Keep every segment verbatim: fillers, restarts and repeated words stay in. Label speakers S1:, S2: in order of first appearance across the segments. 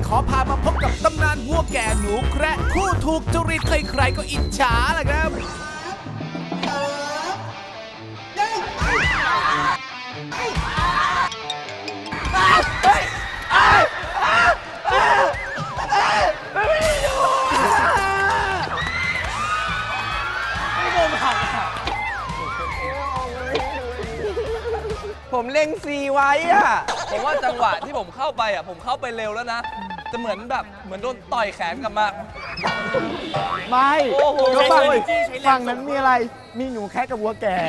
S1: ขอพามาพบกับตำนานวัวแก่หนูแคระคู่ถูกจริตใครๆก็อิจฉาแหละครับ
S2: ผมเล็งซีไว้อะ
S3: ผมว่าจังหวะที่ผมเข้าไปอ่ะผมเข้าไปเร็วแล้วนะจะเหมือนแบบเหมือนโดนต่อยแขนกลับมา
S4: ไม่
S3: โอ้โห
S4: ก็ฝั่งฝั่งนั้นมีอะไร มีหนูแค่กับวัวแก่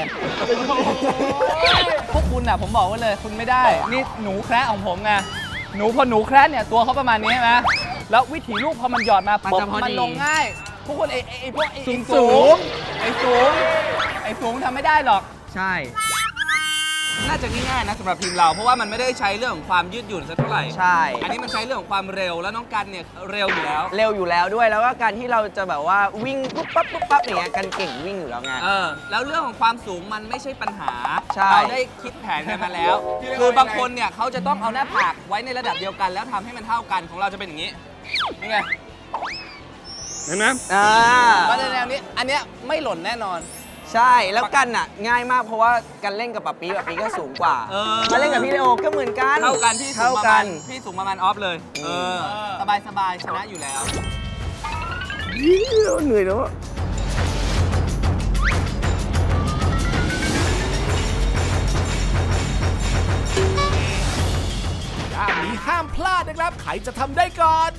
S3: พวกคุณอ่ะผมบอกไว้เลยคุณไม่ได้นี่หนูแคระของผมไงหนูพอหนูแคระเนี่ยตัวเขาประมาณนี้ใช่ไหมแล้ววิถีลูกพอมันหยอดมาปุ๊บมันลงง่ายพวกคนไอ้ไอ้พวกไอ้สูงไอ้สูงไอ้สูงทำไม่ได้หรอก
S2: ใช่
S3: น่าจะง่ายๆนะสำหรับทีมเราเพราะว่ามันไม่ได้ใช้เรื่องของความยืดหยุ่นสักเท่าไหร่
S2: ใช่
S3: อันนี้มันใช้เรื่องของความเร็วแล้วน้องกันเนี่ยเร็วอยู่แล้ว
S2: เร็วอยู่แล้วด้วยแล้วก็การที่เราจะแบบว่าวิ่งปุ๊บปั๊บปุ๊บปั๊บอย่างเงี้ยกันเก่งวิ่งอยู่แล้วไง
S3: เออแล้วเรื่องของความสูงมันไม่ใช่ปัญหา
S2: ใช่
S3: เราได้คิดแผนกันมาแล้ว คือบางคนเนี่ยเขาจะต้องเอาหน้าผากไว้ในระดับเดียวกันแล้วทำให้มันเท่ากันของเราจะเป็นอย่างนี้นี่ไงเห็นไหม
S2: อ่า
S3: มาในแนวนี้อันเนี้ยไม่หล่นแน่นอน
S2: ใช่แล้วกันอ่ะง่ายมากเพราะว่ากันเล่นกับป๊าปีป๊าปีก็สูงกว่า
S3: เออ
S2: มาเล่นกับพี่เลโอก็เหมือนกัน
S3: เท่ากันพี่สู
S2: เท่าง
S3: ประ
S2: กั
S3: มาน ณพี่สูงประมาณออฟเลยเออสบายสบายๆชนะอยู่แล้ว
S2: เหนื่อยแล้ว
S1: ด้านนี้ห้ามพลาดนะครับใครจะทำได้ก่อน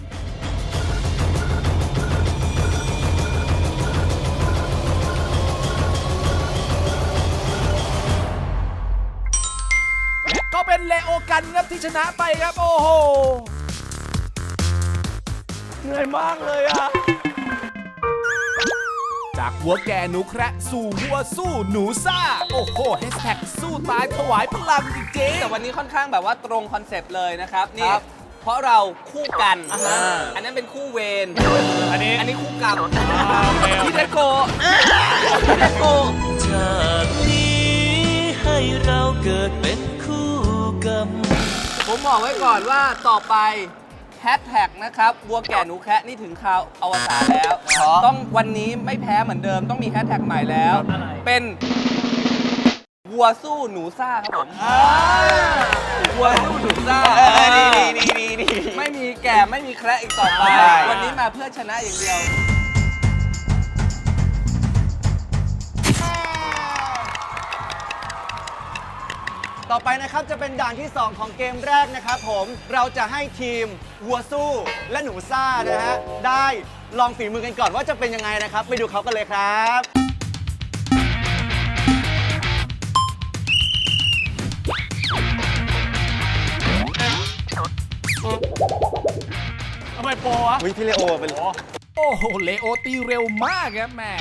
S1: และก็เป็นเลโอกันครับที่ชนะไปครับโอ้โห
S2: เหนื่อยมากเลยอ่ะ
S1: จากวัวแก่หนูแคระสู่วัวสู้หนูซ่า โอ้โหแฮชแท็กสู้ตายถวายพลังจริง
S3: แต่วันนี้ค่อนข้างแบบว่าตรงคอนเซปต์เลยนะครับนี่
S2: ครับ
S3: เพราะเราคู่กัน
S2: อ่าฮะ
S3: อันนั้นเป็นคู่เวร
S1: อันนี้
S3: อันนี้คู่กรรมพี่เทโกพี่เทโก
S5: จากนี้ให้เราเกิดเป็นคู่กรรม
S3: ผมบอกไว้ก่อนว่าต่อไปแฮชแท็กนะครับวัวแก่หนูแคะนี่ถึงคราวอวสานแล้ว ต้องวันนี้ไม่แพ้เหมือนเดิมต้องมีแฮชแท็กใหม่แล้ว เป็นวัวสู้หนูซ่าครับผมวัวสู้หนูซ่า
S2: เออดีดีดีดีดี
S3: ไม่มีแก่ไม่มีแคระอีกต่อไป
S2: ใช่
S3: วันนี้มาเพื่อชนะอย่างเดียว
S4: ต่อไปนะครับจะเป็นด่านที่ สอง ของเกมแรกนะครับผม เราจะให้ทีมวัวสู้และหนูซ่านะฮะ ได้ลองฝีมือกันก่อนว่าจะเป็นยังไงนะครับ ไปดูเขากันเลยครับทำไมโปรวะวิพี่เลโอเป็น
S1: ๆ โอ้โหเลโอตีเร็วมากครับแม่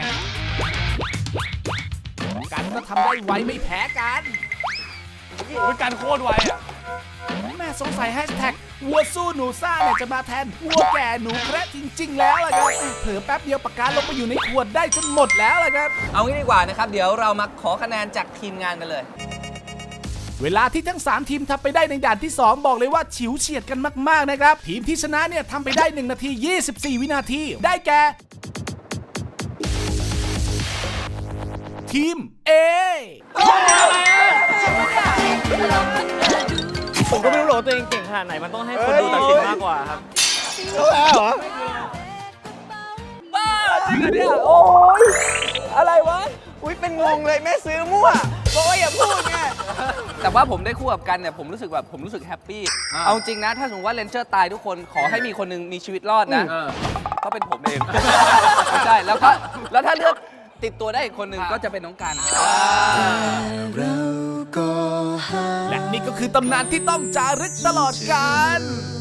S1: กันก็ทำได้ไวไม่แพ้กันกันโคตรไวอ่ะแม่สงสัยแฮชแท็กวัวสู้หนูซ่าเนี่ยจะมาแทนวัวแก่หนูแคระจริง ๆ แล้วล่ะครับเผลอแป๊บเดียวปากกาลงไปอยู่ในขวดได้จนหมดแล้วล่ะครับ
S3: เอางี้ดีกว่านะครับ เดี๋ยวเรามาขอคะแนนจากทีมงานกันเลย
S1: เวลาที่ทั้งสามทีมทำไปได้ในด่านที่สองบอกเลยว่าฉิวเฉียดกันมากๆนะครับทีมที่ชนะเนี่ยทำไปได้หนึ่งนาทียี่สิบสี่วินาทีได้แก่ทีม A
S6: ผมก็ไม่รู้หรอกว่าตัวเองเก่งขนาดไหน มันต้องให้คนดูตัดสินมากกว่าครับ
S3: บ้าจริงเหรอเนี่ยโอ้ยอะไรวะ
S2: อุ้ยเป็นงงเลยแม่ซื้อมั่วบอกว่าอย่าพูดไง
S3: แต่ว่าผมได้คู่กับกันเนี่ยผมรู้สึกแบบผมรู้สึกแฮปปี้เอาจริงนะ ถ้าสมมติว่าเลนเจอร์ตายทุกคนขอให้มีคนหนึงมีชีวิตรอดนะก็เป็นผมเอง ไม่ใช่แล้วก็แล้วถ้าเลือกติดตัวได้อีกคนหนึ่งก็จะเป็นน้องกัน
S1: และนี่ก็คือตำนานที่ต้องจารึกตลอดกาล